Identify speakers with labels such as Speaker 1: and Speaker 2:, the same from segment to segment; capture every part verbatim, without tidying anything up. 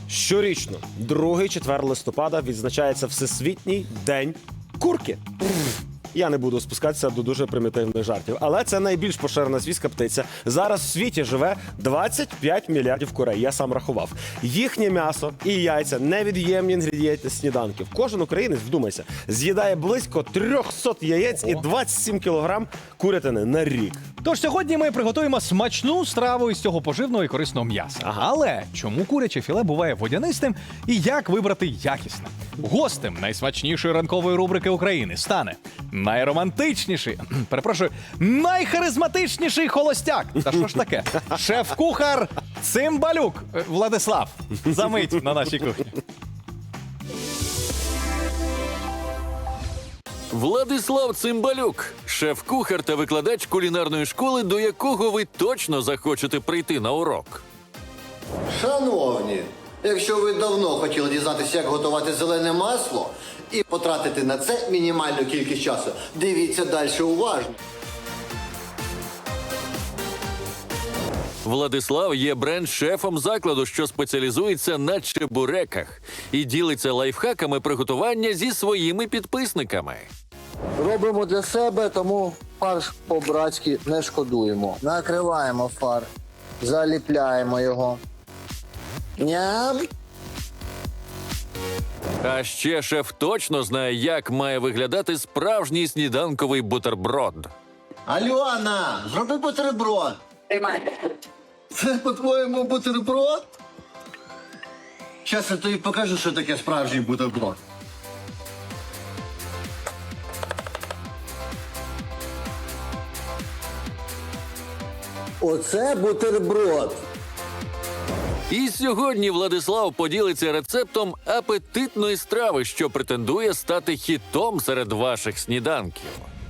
Speaker 1: Щорічно, другий четвер листопада відзначається Всесвітній день курки. Я не буду спускатися до дуже примітивних жартів, але це найбільш поширена свійська птиця. Зараз в світі живе двадцять п'ять мільярдів курей, я сам рахував. Їхнє м'ясо і яйця – невід'ємні інгредієнти сніданків. Кожен українець, вдумайся, з'їдає близько триста яєць і двадцять сім кілограм курятини на рік.
Speaker 2: Тож сьогодні ми приготуємо смачну страву із цього поживного і корисного м'яса.
Speaker 1: Ага.
Speaker 2: Але чому куряче філе буває водянистим і як вибрати якісне? Гостем найсмачнішої ранкової рубрики України стане найромантичніший, перепрошую, найхаризматичніший холостяк. Та що ж таке? Шеф-кухар Цимбалюк Владислав. Замить на нашій кухні.
Speaker 3: Владислав Цимбалюк – шеф-кухар та викладач кулінарної школи, до якого ви точно захочете прийти на урок.
Speaker 4: Шановні, якщо ви давно хотіли дізнатися, як готувати зелене масло і потратити на це мінімальну кількість часу, дивіться далі уважно.
Speaker 3: Владислав є бренд-шефом закладу, що спеціалізується на чебуреках і ділиться лайфхаками приготування зі своїми підписниками.
Speaker 4: Робимо для себе, тому фарш по-братськи не шкодуємо. Накриваємо фарш, заліпляємо його. Ням!
Speaker 3: А ще шеф точно знає, як має виглядати справжній сніданковий бутерброд.
Speaker 4: Альона, зроби бутерброд. Це, по-твоєму, бутерброд? Щас я тобі покажу, що таке справжній бутерброд. Оце бутерброд.
Speaker 3: І сьогодні Владислав поділиться рецептом апетитної страви, що претендує стати хітом серед ваших сніданків.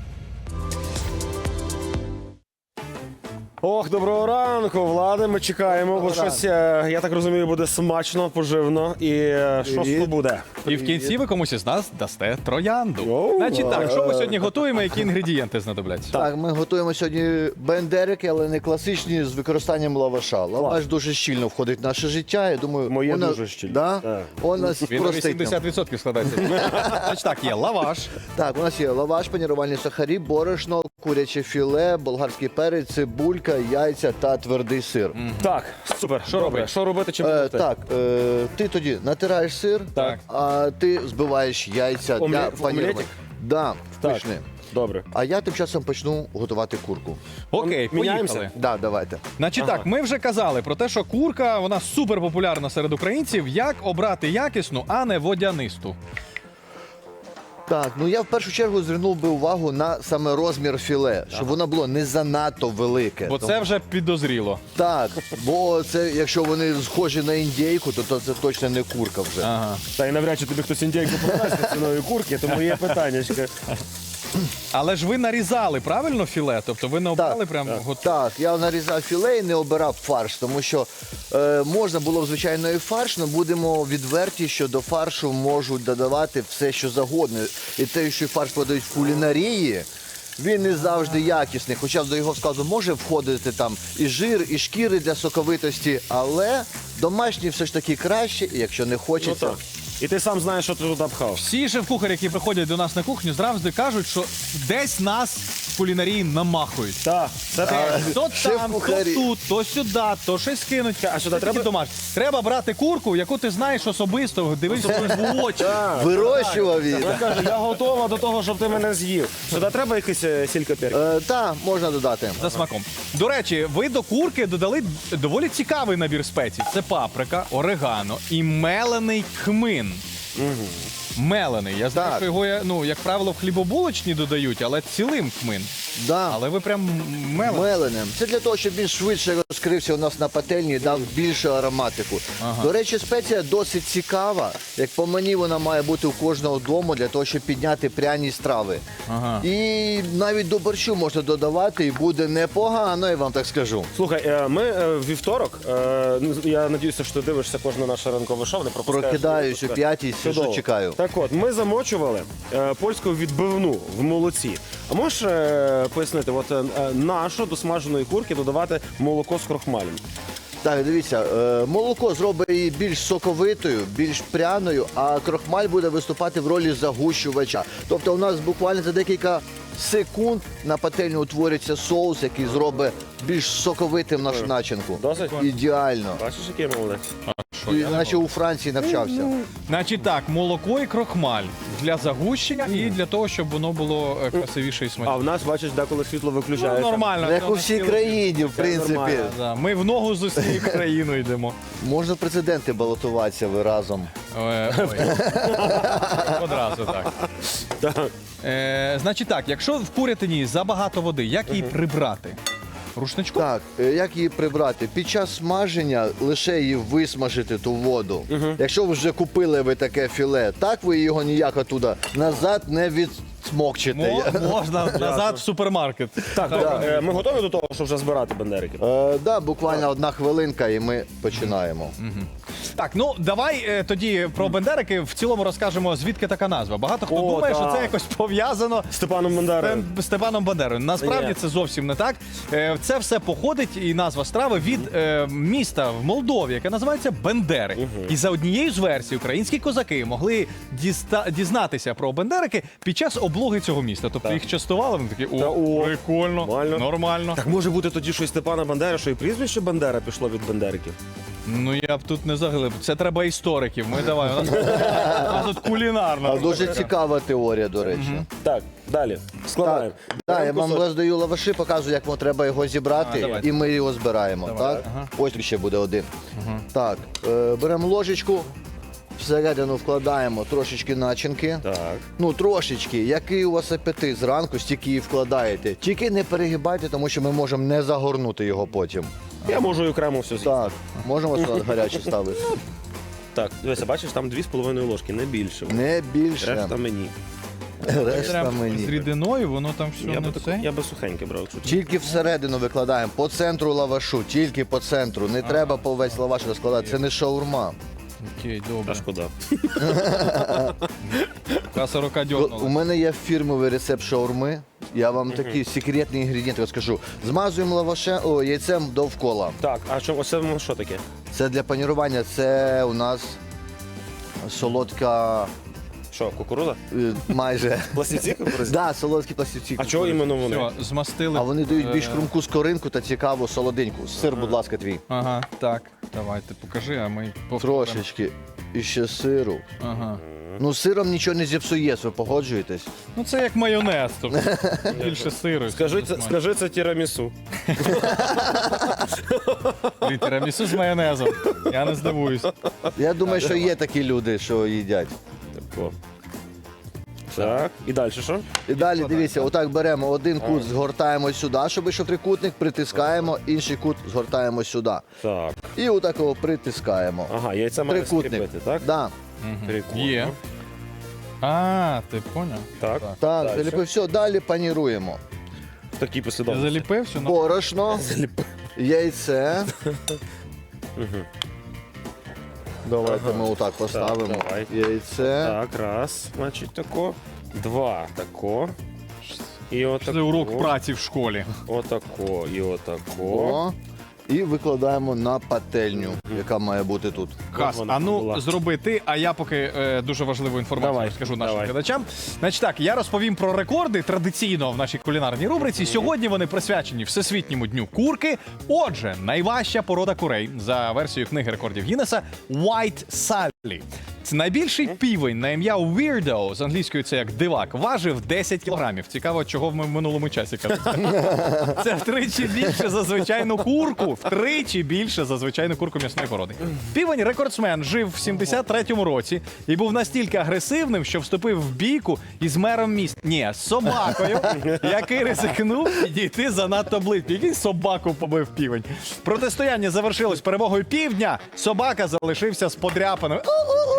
Speaker 1: Ох, доброго ранку, Влади, ми чекаємо, бо щось, е, я так розумію, буде смачно, поживно. І е, що ж то буде?
Speaker 2: І в кінці ви комусь із нас дасте троянду.
Speaker 1: Йоу.
Speaker 2: Значить так, що ми сьогодні готуємо, які інгредієнти знадобляться?
Speaker 5: Так, ми готуємо сьогодні бендерики, але не класичні з використанням лаваша. Лаваш дуже щільно входить в наше життя. Я думаю,
Speaker 1: Моє
Speaker 5: вона-
Speaker 1: дуже щільно.
Speaker 5: Да?
Speaker 1: Так.
Speaker 5: У нас
Speaker 2: Він на
Speaker 5: простить нам.
Speaker 2: вісімдесят відсотків складається. Значить так, є лаваш.
Speaker 5: Так, у нас є лаваш, панірувальні сахарі, борошно, куряче філе, болгарський перець, цибулька, яйця та твердий сир.
Speaker 1: Так, супер.
Speaker 2: Що
Speaker 1: Добре,
Speaker 2: робити?
Speaker 1: Що робити, чим
Speaker 5: Е,
Speaker 1: робити?
Speaker 5: так, е, ти тоді натираєш сир,
Speaker 2: Так.
Speaker 5: а ти збиваєш яйця
Speaker 1: Омле-
Speaker 5: для
Speaker 1: в
Speaker 5: панірування.
Speaker 1: омлетик?
Speaker 5: Да,
Speaker 1: Так.
Speaker 5: пишне.
Speaker 1: Добре.
Speaker 5: А я тим часом почну готувати курку.
Speaker 2: Окей,
Speaker 1: Міняємося?
Speaker 2: поїхали.
Speaker 5: Да, давайте.
Speaker 2: Значить так, ми вже казали про те, що курка, вона супер популярна серед українців. Як обрати якісну, а не водянисту?
Speaker 5: Так, ну я в першу чергу звернув би увагу на саме розмір філе, щоб воно було не занадто велике.
Speaker 2: Бо це вже підозріло.
Speaker 5: Так, бо це, якщо вони схожі на індійку, то, то це точно не курка вже.
Speaker 2: Ага.
Speaker 1: Та й навряд чи тобі хтось індійку продасть ціною курки, тому є питаннячка.
Speaker 2: Але ж ви нарізали правильно філе? Тобто ви не обрали прям готове?
Speaker 5: Так, я нарізав філе і не обирав фарш, тому що е, можна було б звичайно і фарш, але будемо відверті, що до фаршу можуть додавати все, що завгодно. І те, що фарш подають в кулінарії, він не завжди якісний. Хоча до його складу може входити там і жир, і шкіри для соковитості, але домашній все ж таки краще, і якщо не
Speaker 1: Ну
Speaker 5: хочеться.
Speaker 1: так. І ти сам знаєш, що ти туди пхав.
Speaker 2: Всі шеф-кухарі, які приходять до нас на кухню, завжди кажуть, що десь нас в кулінарії намахують.
Speaker 1: Так, це так.
Speaker 2: То там, то
Speaker 5: шеф-кухарі.
Speaker 2: тут, то сюди, то щось кинуть.
Speaker 1: А сюди треба?
Speaker 2: домашні. Треба брати курку, яку ти знаєш особисто, дивишся в очі.
Speaker 5: Вирощував її.
Speaker 1: Я кажу, я готова до того, щоб ти мене з'їв. Сюди треба якийсь е, сіль перець?
Speaker 5: Е, так, можна додати.
Speaker 2: За смаком. До речі, ви до курки додали доволі цікавий набір спецій. Це паприка, орегано і мелений кмин. Мелений. Я знаю,
Speaker 5: Так.
Speaker 2: що його, ну, як правило, в хлібобулочні додають, але цілим кмин.
Speaker 5: Да.
Speaker 2: Але ви прям мелений.
Speaker 5: Меленим. Це для того, щоб він швидше розкрився у нас на пательні і дав більше ароматику. До речі, спеція досить цікава. Як по мені, вона має бути у кожного дому для того, щоб підняти пряні страви.
Speaker 2: Ага.
Speaker 5: І навіть до борщу можна додавати, і буде непогано, я вам так скажу.
Speaker 1: Слухай, е, ми е, в вівторок, е, ну, я надіюся, що ти дивишся кожне наше ранкове шоу, не пропускаєш.
Speaker 5: Прокидаюсь о п'ятій, сижу,
Speaker 1: Чудово.
Speaker 5: чекаю.
Speaker 1: Так от, ми замочували е, польську відбивну в молоці. А можеш е, пояснити, от е, нашу до смаженої курки додавати молоко з крохмалем?
Speaker 5: Так, дивіться, е, молоко зробить її більш соковитою, більш пряною, а крохмаль буде виступати в ролі загущувача. Тобто у нас буквально за декілька секунд на пательню утвориться соус, який зробить більш соковитим нашу начинку.
Speaker 1: Досить?
Speaker 5: Ідеально.
Speaker 1: Бачиш, який я молодець?
Speaker 2: Що,
Speaker 5: І,
Speaker 2: я не
Speaker 5: наче у Франції навчався.
Speaker 2: Значить так, молоко і крохмаль для загущення і для того, щоб воно було е, красивіше і
Speaker 1: А
Speaker 2: смачніше.
Speaker 1: в нас, бачиш, деколи світло
Speaker 2: Ну,
Speaker 1: виключається.
Speaker 2: нормально.
Speaker 5: Як у всій країні, в принципі.
Speaker 1: нормально.
Speaker 2: Да, ми в ногу з усією країною йдемо.
Speaker 5: Можна в президенти балотуватися ви разом.
Speaker 2: Е, ой. Одразу так.
Speaker 1: Так.
Speaker 2: Е, значить так, якщо в курятині забагато води, як її прибрати? Рушничком?
Speaker 5: Так, е, як її прибрати? Під час смаження лише її висмажити ту воду. Якщо ви вже купили ви таке філе, так ви його ніяк оттуда назад не відсмокчите.
Speaker 2: Мо- можна назад в супермаркет.
Speaker 1: Так, добре, е, ми готові до того, щоб вже збирати бандерики?
Speaker 5: Е, да, буквально одна хвилинка і ми починаємо.
Speaker 2: Так, ну давай е, тоді про бендерики в цілому розкажемо, звідки така назва. Багато хто
Speaker 1: О,
Speaker 2: думає, що
Speaker 1: так.
Speaker 2: це якось пов'язано
Speaker 1: Степаном
Speaker 2: з
Speaker 1: Бандерою.
Speaker 2: Степан- Степаном Бандерою. Насправді
Speaker 1: Ні.
Speaker 2: це зовсім не так. Е, Це все походить і назва страви від е, міста в Молдові, яке називається Бендери. І за однією з версій українські козаки могли діста- дізнатися про бендерики під час облоги цього міста. Тобто їх частували, вони такі,
Speaker 1: Та,
Speaker 2: о,
Speaker 1: о,
Speaker 2: прикольно,
Speaker 1: нормально.
Speaker 2: нормально.
Speaker 1: Так може бути тоді, що і Степана Бандери, що і прізвище Бандера пішло від бандериків?
Speaker 2: Ну я б тут не заглиб. Це треба істориків. Ми давай. У нас, у нас тут кулінарна.
Speaker 5: А дуже цікава теорія, до речі.
Speaker 1: Так, далі. Складаємо.
Speaker 5: Так, да, я
Speaker 1: Беремо
Speaker 5: вам
Speaker 1: кусочок.
Speaker 5: роздаю лаваші, показую, як вам треба його зібрати,
Speaker 2: А, давайте.
Speaker 5: і ми його збираємо.
Speaker 2: Давай.
Speaker 5: Так?
Speaker 2: Ага.
Speaker 5: Ось тут ще буде один. Так, е, беремо ложечку, всередину вкладаємо трошечки начинки.
Speaker 1: Так.
Speaker 5: Ну, трошечки. Який у вас апетит зранку, стільки і вкладаєте. Тільки не перегибайте, тому що ми можемо не загорнути його потім.
Speaker 1: Я можу і окремо все з'їсти.
Speaker 5: Так, можемо салат гарячий ставити.
Speaker 1: Так, дивися, бачиш, там дві з половиною ложки, не більше.
Speaker 5: Не більше.
Speaker 1: Решта мені.
Speaker 5: Решта
Speaker 2: Треба з
Speaker 5: мені.
Speaker 2: рідиною, воно там все
Speaker 1: Я
Speaker 2: не
Speaker 1: би,
Speaker 2: це.
Speaker 1: я би сухеньке брав. Якщо чесно.
Speaker 5: Тільки всередину викладаємо, по центру лавашу, тільки по центру. Не треба по весь лаваш розкладати, це не шаурма.
Speaker 2: Окей,
Speaker 1: Та
Speaker 2: добре.
Speaker 1: шкода.
Speaker 2: Каса рука
Speaker 5: У
Speaker 2: дьорнула.
Speaker 5: мене є фірмовий рецепт шаурми. Я вам такий секретний інгредієнт розкажу. Змазуємо лаваше, о, яйцем довкола.
Speaker 1: Так, а що, оце воно що таке?
Speaker 5: Це для панірування, це у нас солодка,
Speaker 1: Що, кукурудза?
Speaker 5: е, майже.
Speaker 1: Пластівці кукурудзі?
Speaker 5: Да, солодкі пластівці.
Speaker 1: А чого іменно вони?
Speaker 2: Все, змастили.
Speaker 5: А вони дають більш
Speaker 2: Е,
Speaker 5: хрумку скоринку та цікаву солоденьку. Сир, будь ласка, твій.
Speaker 2: Ага, так. Давайте покажи, а ми повторимо.
Speaker 5: Трошечки. І ще сиру.
Speaker 2: Ага.
Speaker 5: Ну, сиром нічого не зіпсуєш, ви погоджуєтесь?
Speaker 2: Ну це як майонез, тобто більше сиру.
Speaker 1: Скажи, це, скажи це тірамісу.
Speaker 2: Блін, тірамісу з майонезом. Я не здивуюсь.
Speaker 5: Я думаю, що є такі люди, що їдять.
Speaker 1: Тако. Так, і далі що?
Speaker 5: І далі дивіться, отак беремо один кут, згортаємо сюди, щоб вийшов трикутник, притискаємо, інший кут згортаємо сюди.
Speaker 1: Так.
Speaker 5: І отак його притискаємо.
Speaker 1: Ага, яйця має
Speaker 5: Трикутник.
Speaker 1: скріпити, так?
Speaker 5: Да.
Speaker 1: Прикольно.
Speaker 2: Є. А, ти поняв?
Speaker 1: Так.
Speaker 5: Так,
Speaker 1: Дальше.
Speaker 5: заліпив. Все, далі паніруємо.
Speaker 1: Такі
Speaker 2: Ти
Speaker 1: послідовності.
Speaker 2: заліпив все? Ну,
Speaker 5: Борошно, яйце. Давайте ми отак поставимо.
Speaker 1: давай.
Speaker 5: Яйце.
Speaker 1: Так, раз, значить, тако. Два, тако. І отако.
Speaker 2: Це урок праці в школі.
Speaker 1: Отако, і отако.
Speaker 5: О. І викладаємо на пательню, яка має бути тут.
Speaker 2: Кас,
Speaker 1: вона
Speaker 2: а ну
Speaker 1: була.
Speaker 2: зроби ти, а я поки е, дуже важливу інформацію
Speaker 1: Давай,
Speaker 2: розкажу нашим
Speaker 1: давай.
Speaker 2: глядачам. Значить так, я розповім про рекорди традиційно в нашій кулінарній рубриці. Сьогодні вони присвячені Всесвітньому дню курки. Отже, найважча порода курей за версією книги рекордів Гіннеса White Sally. Це найбільший півень на ім'я Weirdo, з англійською це як дивак, важив десять кілограмів. Цікаво, чого ми в минулому часі казали. Це втричі більше за звичайну курку. Втричі більше за звичайну курку м'ясної породи. Півень рекордсмен жив в сімдесят третьому році і був настільки агресивним, що вступив в бійку із мером міста. Ні, з собакою, який ризикнув підійти занадто близько. Який собаку побив півень. Протистояння завершилось перемогою півдня. Собака залишився з подряпаною.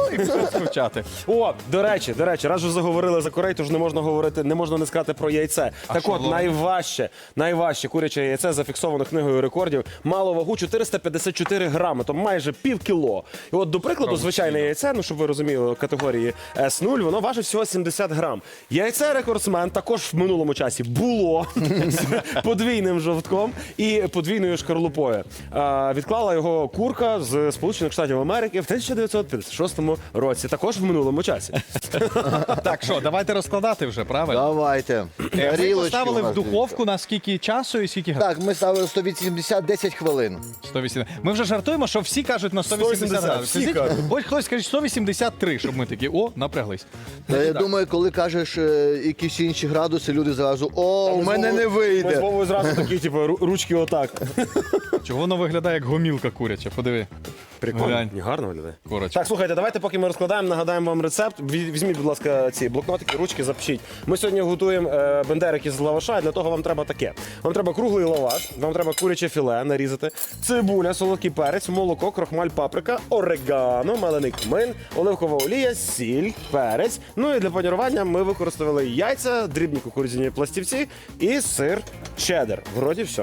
Speaker 2: вивчати.
Speaker 1: О, до речі, до речі, раз вже заговорили за курей, тож не можна говорити, не можна не сказати про яйце. так
Speaker 2: що
Speaker 1: от,
Speaker 2: було?
Speaker 1: найважче, найважче куряче яйце зафіксовано книгою рекордів, мало вагу чотириста п'ятдесят чотири грами, то майже пів кіло. І от, до прикладу, звичайне яйце, ну щоб ви розуміли, категорії ес нуль, воно важить всього сімдесят грам. Яйце рекордсмен також в минулому часі було з подвійним жовтком і подвійною шкарлупою. А, відклала його курка з Сполучених Штатів Америки в тисяча дев'ятсот п'ятдесят шостому році, також в минулому часі.
Speaker 2: Так, що, давайте розкладати вже, правильно?
Speaker 5: Давайте.
Speaker 2: Е, Ми
Speaker 5: Тарілочки
Speaker 2: поставили
Speaker 5: у нас
Speaker 2: в духовку на скільки часу і скільки градусів?
Speaker 5: Так, ми ставили сто вісімдесят десять хвилин.
Speaker 2: сто вісімдесят. Ми вже жартуємо, що всі кажуть на сто вісімдесят
Speaker 1: сто вісімдесят,
Speaker 2: градусів.
Speaker 1: всі
Speaker 2: Скажіть,
Speaker 1: кажуть.
Speaker 2: Ось хтось скаже сто вісімдесят три, щоб ми такі, о, напряглись.
Speaker 5: Та я думаю, коли кажеш е, якісь інші градуси, люди зразу, о, у мене не
Speaker 1: Ми з
Speaker 5: вийде.
Speaker 1: Вовою зразу такі, типу, ру- ручки отак.
Speaker 2: Чого воно виглядає як гомілка куряча? Подиви.
Speaker 1: Прикольно.
Speaker 2: Глянь.
Speaker 1: Ні, гарно виглядає.
Speaker 2: Курочка.
Speaker 1: Так, слухайте, давайте, поки ми розкладаємо, нагадаємо вам рецепт. Ві- Візьміть, будь ласка, ці блокнотики, ручки, запишіть. Ми сьогодні готуємо е, бендерики з лаваша, і для того вам треба таке. Вам треба круглий лаваш, вам треба куряче філе нарізати, цибуля, солодкий перець, молоко, крохмаль, паприка, орегано, мелений кмин, оливкова олія, сіль, перець. Ну і для панірування ми використовували яйця, дрібні кукурудзяні пластівці і сир чеддер. Вроді все.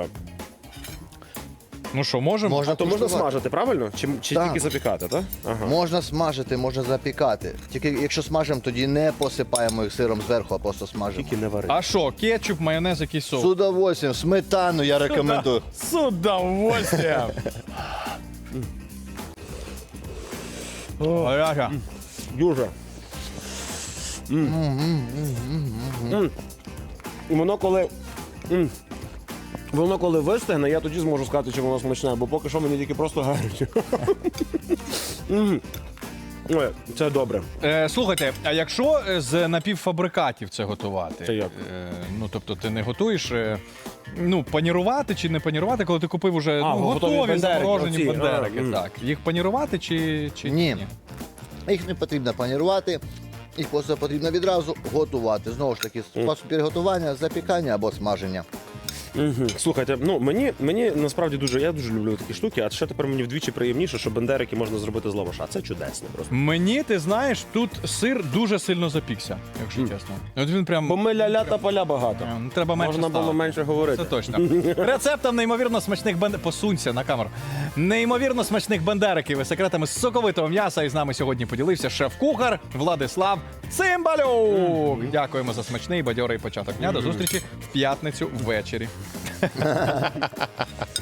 Speaker 2: Ну що, можемо?
Speaker 5: Можна
Speaker 1: То можна
Speaker 5: куштувати.
Speaker 1: смажити, правильно? Чи, чи
Speaker 5: Так.
Speaker 1: тільки запікати, так? Ага.
Speaker 5: Можна смажити, можна запікати. Тільки якщо смажимо, тоді не посипаємо їх сиром зверху, а просто смажимо.
Speaker 1: Тільки не вари.
Speaker 2: А що, кетчуп, майонез, якийсь соус?
Speaker 5: З удовольствием, сметану я рекомендую.
Speaker 2: З удовольствием. Ага.
Speaker 1: Дуже. М. І воно коли. м, Воно коли вистигне, я тоді зможу сказати, чи воно смачне, бо поки що мені тільки просто гаряче. М. Ой, це добре.
Speaker 2: Е, слухайте, а якщо е, з напівфабрикатів це готувати?
Speaker 1: Це як?
Speaker 2: Е, ну, тобто ти не готуєш, е, ну, панірувати чи не панірувати, коли ти купив уже
Speaker 1: А,
Speaker 2: ну,
Speaker 1: готові
Speaker 2: готові
Speaker 1: бендерики,
Speaker 2: заморожені
Speaker 1: оці,
Speaker 2: бендерики.
Speaker 1: а, м.
Speaker 2: Так. Їх панірувати чи, чи
Speaker 5: Ні. Їх не потрібно панірувати, їх просто потрібно відразу готувати. Знову ж таки, спосіб приготування, запікання або смаження.
Speaker 1: Мгм. Слухайте, ну мені, мені насправді дуже, я дуже люблю такі штуки, а ще тепер мені вдвічі приємніше, що бендерики можна зробити з лаваша. Це чудесно просто.
Speaker 2: Мені, ти знаєш, тут сир дуже сильно запікся, якщо чесно. От він прям.
Speaker 1: Бо ми ля-ля та поля багато.
Speaker 2: Е, ну, треба менше
Speaker 1: Можна було
Speaker 2: ставити.
Speaker 1: менше говорити.
Speaker 2: Це точно. Рецептом неймовірно смачних бендериків. Посунься на камеру. Неймовірно смачних бендериків і секретами соковитого м'яса. І з нами сьогодні поділився шеф-кухар Владислав Цимбалюк. Дякуємо за смачний бадьорий початок дня. До зустрічі в п'ятницю ввечері.